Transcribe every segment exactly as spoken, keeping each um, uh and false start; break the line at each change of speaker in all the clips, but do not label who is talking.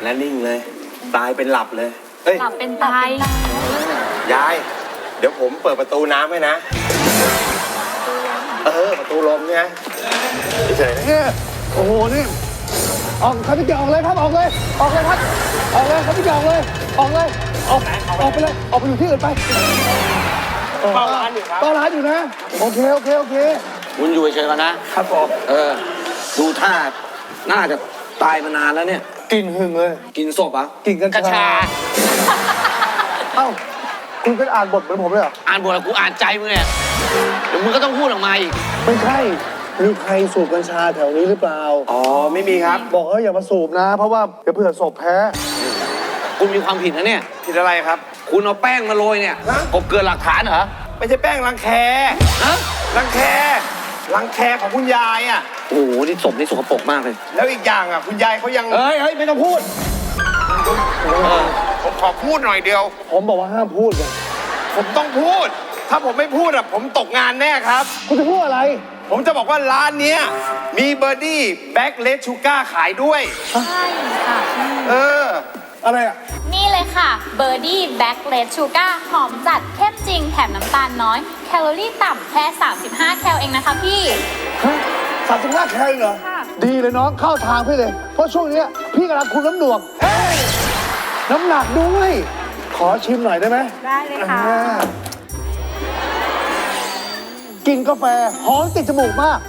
และนิ่งเลยตายเป็นหลับเลย
หลับเป็นตาย
ยายเดี๋ยวผมเปิดประตูน้ำให้นะเออประตูลมเนี่ยเฉยๆ
เนี่ยโอ้โหนี่ออกครับพี่เก่งออกเลยครับออกเลยออกเลยครับออกเลยครับพี่เก่งออกเลยออกเลยออกออกไปเลยออกไปอยู่ที่อื่นไป
เฝ้าร้านอยู่ครับ
เฝ้าร้านอยู่นะโอเคโอเคโอเค
คุณอยู่เฉยๆกันนะครับ
ผม
เออดูท่าน่าจะตายมานานแล้วเนี่ย
กินหึงเลย
กินศพอ่ะ
กินกัญชาเอ้าคุณเป็นอ่านบทเหมือนผมเลยเหรอ
อ่านบทแล้วกูอ่านใจมึงเนี่ยเดี๋ยวมึงก็ต้องพูดออกมาอีก
ไม่ใช่มีใครสูบกัญชาแถวนี้หรือเปล่า
อ๋อไม่มีครับ
บอกเอออย่ามาสูบนะเพราะว่าเดี๋ยวเผื่อศพแพ้
คุณมีความผิดนะเนี่ย
ผิดอะไรครับ
คุณเอาแป้งมาโรยเนี่ยกบเกินหลักฐานเหรอ
ไม่ใช่แป้งรังแค
ฮะ
รังแครังแคของคุณยายอ่ะ
โอ้โหนี่ศพนี่สกปรกมากเลย
แล้วอีกอย่างอ่ะคุณยายเขายัง
เฮ้ยเฮ้ยไม่ต้องพูด
ผมขอพูดหน่อยเดียว
ผมบอกว่าห้ามพูดเลย
ผมต้องพูดถ้าผมไม่พูดอ่ะผมตกงานแน่ครับ
คุณจะพูดอะไร
ผมจะบอกว่าร้านนี้มีเบอร์ดี้แบ็คเลสชูการ์ขายด้วย
ใช่ค่ะ
เออ
อะไรอ่ะ
นี่เลยค่ะเบอร์ดี้แบ็คเลสชูการ์หอมจัดเข้มจริงแถมน้ำตาลน้อยแคลอรี่ต่ำแค่สามสิบห้าแคลเองนะคะพี่
สามสิบห้าแคลเหรอดีเลยน้องเข้าทางพี่เลยเพราะช่วงนี้พี่กำลังคุมน้ำหนักน้ำหนักด้วยขอชิมหน่อยได้ไหม
ได้เลยค่ะ
กินกาแฟหอมติดจมูกมาก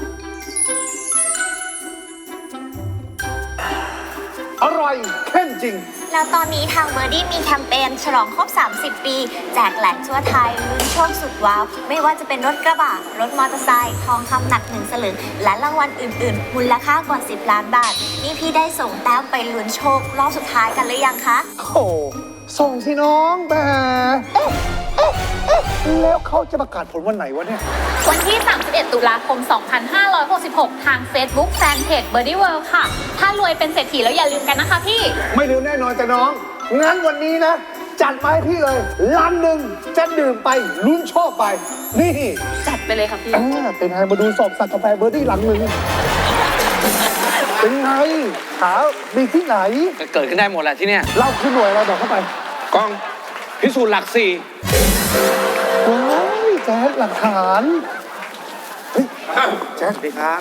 อร่อยเข้มจริง
แล้วตอนนี้ทางเบอร์ดี้มีแคมเปญฉลองครบสามสิบปีแจกแหลกทั่วไทยลุ้นโชคสุดว้าวไม่ว่าจะเป็นรถกระบะรถมอเตอร์ไซค์ทองคำหนักหนึ่งสลึงและรางวัลอื่นๆมูลค่ากว่าสิบล้านบาทนี่พี่ได้ส่งแต้มไปลุ้นโชครอบสุดท้ายกันหรือยังคะ
โอ้ส่งสิน้องแม่เอ๊ะเอ๊ะเอ๊ะแล้วเขาจะประกาศผลวันไหนวะเนี่ย
วันที่สามสิบเอ็ดตุลาคมสองพันห้าร้อยหกสิบหกทาง Facebook Fanpage Birdie World ค่ะถ้ารวยเป็นเศรษฐีแล้วอย่าลืมกันนะคะพี่
ไม่ลืมแน่นอนจ้ะน้องงั้นวันนี้นะจัดมาให้พี่เลยล้านหนึ่งจะดื่มไปลุ้นโชคไปนี่
จัดไปเลยค่ะพี่
เป็นไงมาดูสอบสัตว์กาแฟเบอร์ดี้หลังหนึ่งเป็นไงหามีที่ไหน
เกิดขึ้นได้หมดแหละที่เนี่ย
เล่าขึ้นหน่วยเราบอกเข้าไป
กล้องพิสูจน์หลักสี่
ว้ายแจ๊ดหลักฐานเฮ้ยแจ๊ด
ดีครับ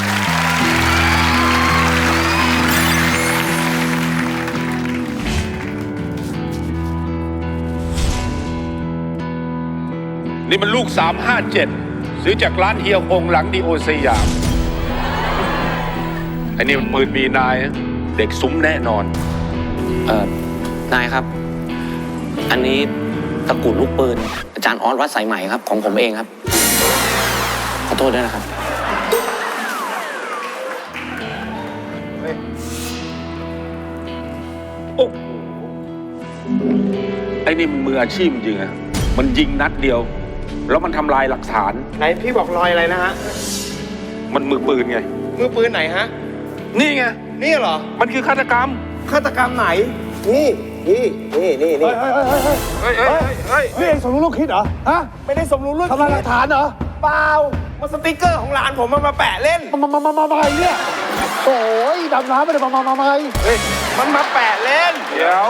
นี่มันลูกสามห้าเจ็ดซื้อจากร้านเฮียคงหลังดีโอสยามไอ้นี่มันปืนมีนายเด็กซุ้มแน่นอน
เอ่อนายครับอันนี้ตะกรุดลูกปืนอาจารย์ออสวัดสายใหม่ครับของผมเองครับขอโทษด้วยนะครับ
โอ้ไอ้นี่มันมืออาชีพจริงอะมันยิงนัดเดียวแล้วมันทำลายหลักฐาน
ไหนพี่บอกรอยอะไรนะฮะ
มันมือปืนไง
มือปืนไหนฮะ
นี่ไง
นี่เหรอ
มันคือฆาตกรรม
ฆาตกรรมไหนนี่นี่นี่นี่นี่
เฮ้ยเฮ้ยเฮ้ยเฮ้ยนี่เองสมรู้ร่วมคิดเหรอฮะ
ไม่ได้สมรู้ร่วม
ทำลายหลักฐานเหรอ
เปล่ามาสติ๊กเกอร์ของหลานผมมามาแปะเล่น
มามามามามาเนี่ยโอ้ยดำน้ำไม่ได้มามามามา
เฮ้ยมันมาแปะเล่น
เดี๋ยว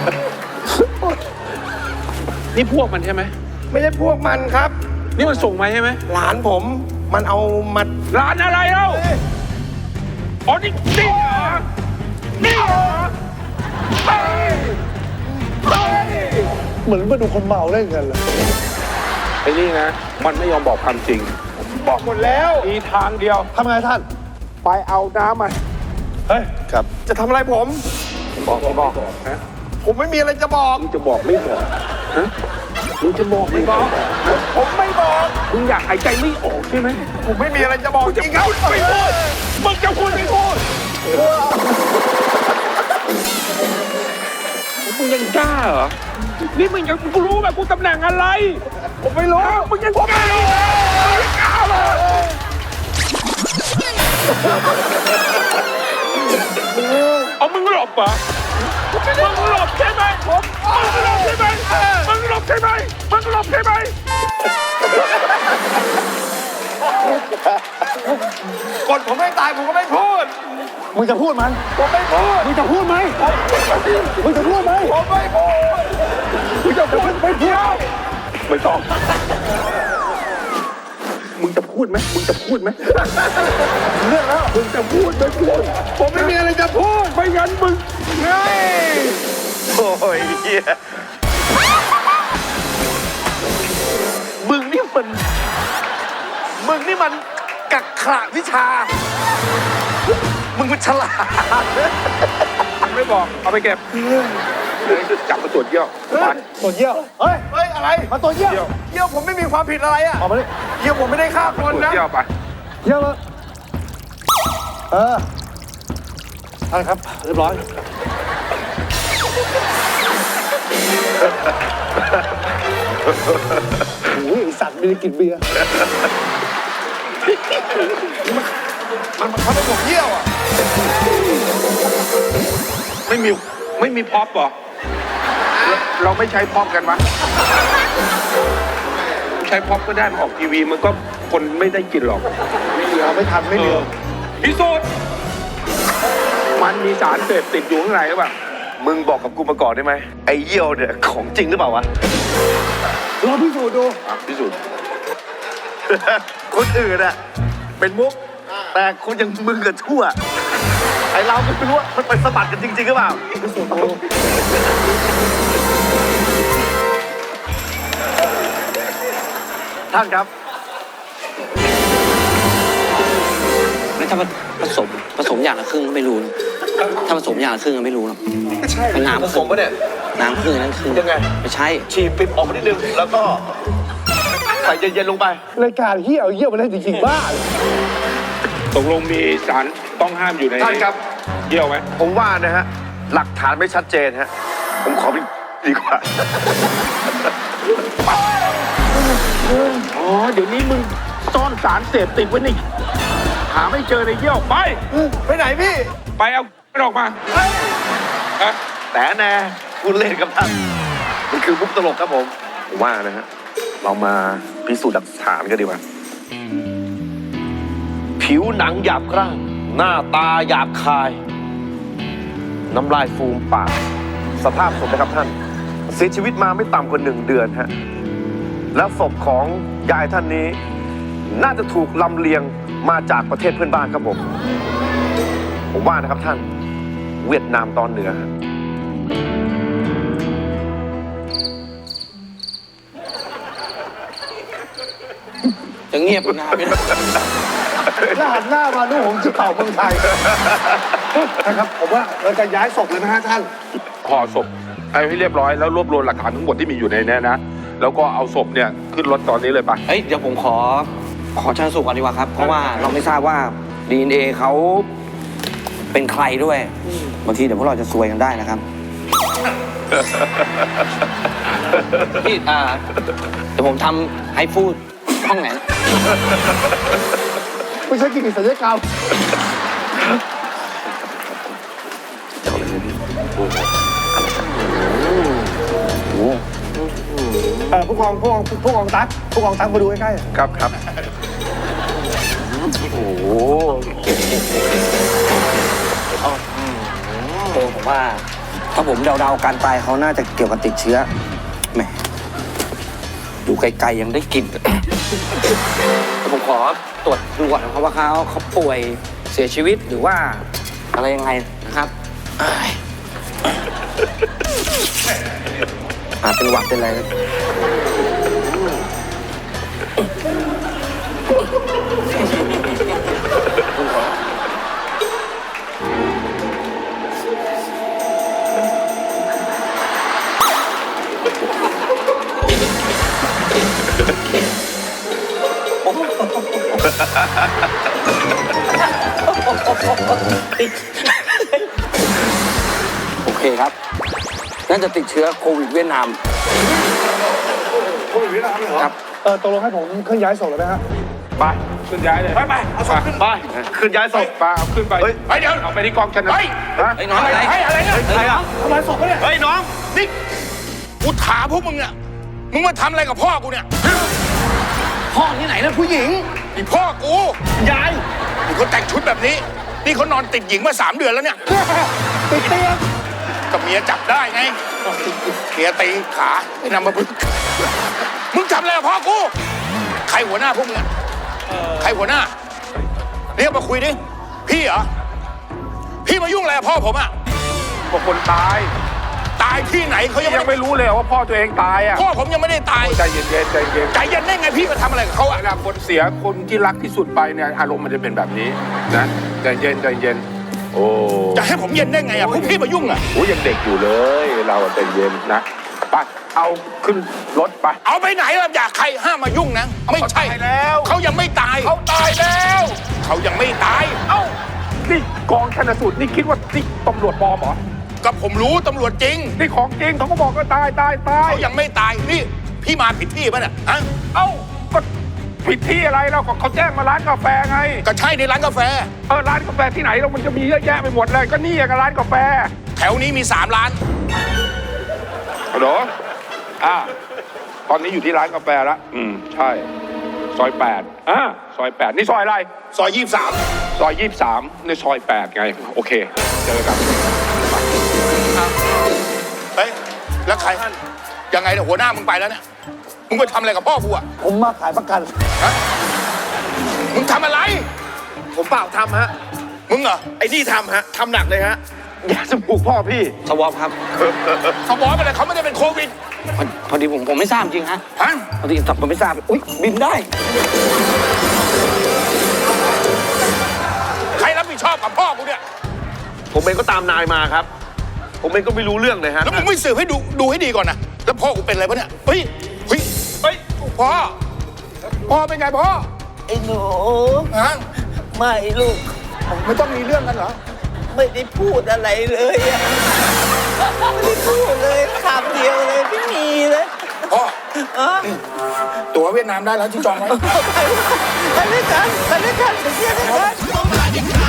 นี่พวกมันใช่ไหม
ไม่ใช่พวกมันครับ
นี่มันส่งมาใช่ไหม
หลานผมมันเอามา
หลานอะไรเล่าอ๋อนี่นี่เหรอนี่เหรอ
เหมือนมาดูคนเมาเล่นกันเลย
ไอ้นี่นะมันไม่ยอมบอกความจริง
บอกหมดแล้ว
มีทางเดียว
ทำไงท่าน
ไปเอาน้ำมา
เฮ้ย
ครับจะทำอะไรผม
บอกไม่บอกนะ
ผมไม่มีอะไรจะบอก
มึงจะบอกไม่บอกฮะมึงจะบอกไม่บอก
ผมไม่บอก
มึงอยากหายใจไม่ออกใช่ไหม
ผมไม่มีอะไรจะบอกจริงครับ
ไม่พูดมึงจะพูดไม่พูดมึงยังกล้าเหรอนี่มึงยังกูรู้แบบกูตำแหน่งอะไร
ผมไม่รู้
มึงยังกล้าเหรอมึงยังกล้าเหรอเอามึงหลบเหรอมึงหลบใช่ไหมผมมึงหลบใช่ไหมมึงหลบใช่ไหมมึงหลบใช่ไหม
กดผมไม่ตายผมก็ไม่พูด
มึงจะพูดไหม
ผมไม่พูด
มึงจะพูดไหมมึงจะพูดไหม
ผมไม่พูด
มึงจะพูดไม่พูด
ไม่ต้อง มึงจะพูดไหมมึงจะพูดไหม
เรื่องแล้ว
มึงจะพูดไม่พูด
ผมไม่มีอะไรจะพูด
ไม่งั้นมึง
เฮ้ยโอ้ยเหี้ย
มึงนี่มัน มึงนี่มันกักขระวิชา มึงมันฉลาด
ไม่บอก เอาไปเก็บเดี๋ยวจะจับมาตรวจเยี่ยวมัน
ตัวเยี่ยว เฮ้ย
เฮ้ยอะไร
มาตัวเยี่ยว
เยี่ยว
เยี่ยวผมไม่มีความผิดอะไรอ่ะ
ออกมาดิ
เยี่ยวผมไม่ได้ฆ่าค
ตรวน จ
นะ
เยี่ยวไป
เยี่ยวเลยเออใช่ครับ เรียบร้อย โอ้ยไอ้สัตว์ไม่ได้กินเบียร์
มันมันเขาได้ผมเยี่ยวอ่ะ
ไม่มี ไม่มีพ็อปเหรอเราเราไม่ใช้พ็อปกันวะใช้พ็อปก็ได้มาออกทีวีมันก็คนไม่ได้กินหรอก
ไม่เหลือไม่ทันไม่เหลือ
พิสูจน์มันมีสารเสพติดอยู่ข้างในหรือเปล่า
มึงบอกกับกูมาก่อนได้ไหม ไอ้เยี่ยวเนี่ยของจริงหรือเปล่าวะ
ลองพิสูจน์ดู
อ่ะพิสูจน์
คนอื่นอะเป็นมุก แต่คนอย่างมึงกับชั่ว ไอ้เราไม่รู้ว่ามันไปสะบัดกันจริงๆหรือเปล่า
พิสูจน์ดู
ท่านครับ
แล้วถ้าผสมผสมอย่างละครึ่งก็ไม่รู้นะถ้าผสมอย่างละครึ่งก็ไม่รู้หรอกใช่เป็นน้ำ
ผสมปะเนี่ย
น้ำครึ่งนั่นครึ่ง
ยังไง
ไม่ใช่
ฉีดปิดออกมานิดนึง แล้วก็ใส่เย็นๆลงไป
รายการเฮียเอาเยี่ยวมาเล่นจริงๆบ้า
ตกลงมีสารต้องห้ามอยู่ใน
ท่านครับ
เยี่ยวไหม
ผมว่านะฮะ หลักฐานไม่ชัดเจนฮะ ผมขอไปดีกว่า
อ๋อ เดี๋ยวนี้มึงซ่อนสารเสพติดไว้ในหาไม่เจอในเยี่ยวไป
ไปไหนพี่
ไปเอามันออกมาฮะ
แต่แน่คุณเล่นกับท่านมันคือมุกตลกครับผม ผมว่านะฮะ เรามาพิสูจน์หลักฐานกันดีกว่า ผิวหนังหยาบกร้านหน้าตาหยาบคาย น้ำลายฟูมปาก สภาพศพนะครับท่าน เสียชีวิตมาไม่ต่ำกว่าหนึ่งเดือนฮะ แล้วศพของยายท่านนี้ น่าจะถูกลำเลียงมาจากประเทศเพื่อนบ้านครับผม ผมว่านะครับท่าน เวียดนามตอนเหนือฮะ
จะเงียบอยู่นานไม่ได้
แล้วหันหน้ามาดูผมจะเป่าเมืองไทยนะครับ ผมว่าเราจะย้ายศพเลยนะฮะท่าน
ห่อศพให้เรียบร้อยแล้วรวบรวมหลักฐานทั้งหมดที่มีอยู่ในนี้นะ แล้วก็เอาศพเนี่ยขึ้นรถตอนนี้เลยไป
เอ้ยเดี๋ยวผมขอขอชันสูตรก่อนดีกว่าครับ เพราะว่าเราไม่ทราบว่า ดี เอ็น เอ เขาเป็นใครด้วยบางทีเดี๋ยวพวกเราจะซวยกันได้นะครับ พี่อ่าเดี๋ยวผมทำให้ฟูดห้องไหน
ไม่ใช่กิจศัลยกรรมเออผู้กองผู้กองผู้กองตั๊กผู้กองตั๊กมาดูใกล้ๆ
ครับครับ
โอ้โห
โอ้ผมว่า ถ้าผมเดาๆการตายเขาน่าจะเกี่ยวกับติดเชื้อแหมอยู่ไกลๆยังได้กลิ่น แต่ผมขอตรวจดูก่อนนะครับว่าเขาเขาป่วยเสียชีวิตหรือว่าอะไรยังไงนะครับเอ้ยอาจเป็นหวัดเป็นอะไรนะคุณขอ โอเคครับ น่าจะติดเชื้อโควิดเวียดนาม
โควิดเวียดนามเลยเหรอ
ครับ
เออตกลงให้ผมเคลื่อนย้ายศพเลยไหมฮะ
ไปขึ้นย้ายเลย ไปไปเอาศพขึ้น
ไป ขึ้นย้ายศพ
ไปเอาขึ้นไป
เฮ้ย
ไปเดี๋ยวเอาไปที่กองชนสูตรฮะ
ไอ้น้องอะไร
เฮ้ยอะไรเนี่ย
ใครอ่ะ
ทำลายศพปะเนี่ย
เฮ้ยน้อง
นี่กูถามพวกมึงเนี่ยมึงมาทำอะไรกับพ่อกูเนี่ย
พ่อที่ไหนนะผู้หญิง
นี่พ่อกูยายนี่เขาแต่งชุดแบบนี้ นี่เขานอนติดหญิงมาสามเดือนแล้วเนี่ย
ติดเตียง
กับเมียจับได้ไงเมียตีขาไอ้นำมาบึกมึงทำอะไรกับพ่อกูใครหัวหน้าพวกมึงอะใครหัวหน้าเรียกมาคุยดิพี่เหรอพี่มายุ่งอะไรกับพ่อผมอะ
บอกคนตาย
ตายที่ไหนเขายัง
ยังไม่รู้เลยว่าพ่อตัวเองตายอ่ะ
พ่อผมยังไม่ได้ตาย
ใจเย็นๆใจเย็น
ใจเย็นได้ไงพี่มาทำอะไรกับเขา
เว
อะ
ลาคนเสียคนที่รักที่สุดไปเนี่ยอารมณ์มันจะเป็นแบบนี้นะใจเย็นใจเย็นโอ้
จะให้ผมเย็นได้ไงอะพวกพี่มายุ่งอะ
โหยังเด็กอยู่เลยเราใจเย็นนะไปเอาขึ้นรถไป
เอาไปไหนล่ะอยากใครห้ามมายุ่งนะไม่ใช่
เขาตายแล้ว
เขายังไม่ตาย
เขาตายแล้ว
เขายังไม่ตาย
เอ้านี่กองชันสูตรนี่คิดว่านี่ตำรวจปลอมเหรอ
ก็ผมรู้ตำรวจจริง
นี่ของจริงเขาก็บอกว่าตายตายตาย
เขายังไม่ตายนี่พี่มาผิดที่ป่ะเนี่ยฮะ
เอ้าก็ผิดที่อะไรเราก็เขาแจ้งมาร้านกาแฟไง
ก็ใช่ในร้านกาแฟ
เออร้านกาแฟที่ไหนเรามันจะมีเยอะแยะไปหมดเลยก็นี่กับร้านกาแฟ
แถวนี้มีสามร้าน
ฮัลโหลอ่าตอนนี้อยู่ที่ร้านกาแฟละอืมใช่ซอยแปดอ่าซอยแปดนี่ซอยอะไร
ซอยยี่สิบสาม
ซอยยี่สิบสามในซอยแปดไงโอเคเจอกัน
เฮ้ยแล้วใครยังไงเนี่ยหัวหน้ามึงไปแล้วเนี่ยมึงไปทำอะไรกับพ่อกูอะ
ผมมาขายประกัน
ฮะมึงทำอะไร
ผมเปล่าทำฮะ
มึงเหรอ
ไอ้นี่ทำฮะทำหนักเลยฮะยาสมุกพ่อพี่
สวอปครับ
เขาบอกไปเลยเขาไม่ได้เป็นโควิด
พอพอดีผมผมไม่ทราบจริงฮะ
ฮะ
พอดีผมไม่ทราบอุ้ยบินได้
ใครรับผิดชอบกับพ่อกูเนี่ย
ผมเองก็ตามนายมาครับ ผมเองก็ไม่รู้เรื่องเลยฮะ
แล้วมึงไม่สืบให้ดูดูให้ดีก่อนนะแล้วพ่อกูเป็นอะไรปะเนี่ยเฮ้ยเฮ้ยเฮ้ยพ่อพ่อเป็นไงพ่อ
ไอ้หนู
ฮะ
ไม่ลูก
ไม่ต้องมีเรื่องกันเหรอ
ไม่ได้พูดอะไรเลยอะไม่ได้พูดเลยคำเดียวเลยไม่มีเลย
พ่อ
เออ
ตั๋วเวียดนามได้แล้วที่จองไว้
ไปด้วยกันไปด้วยกันไปเที่ยวด้วยกัน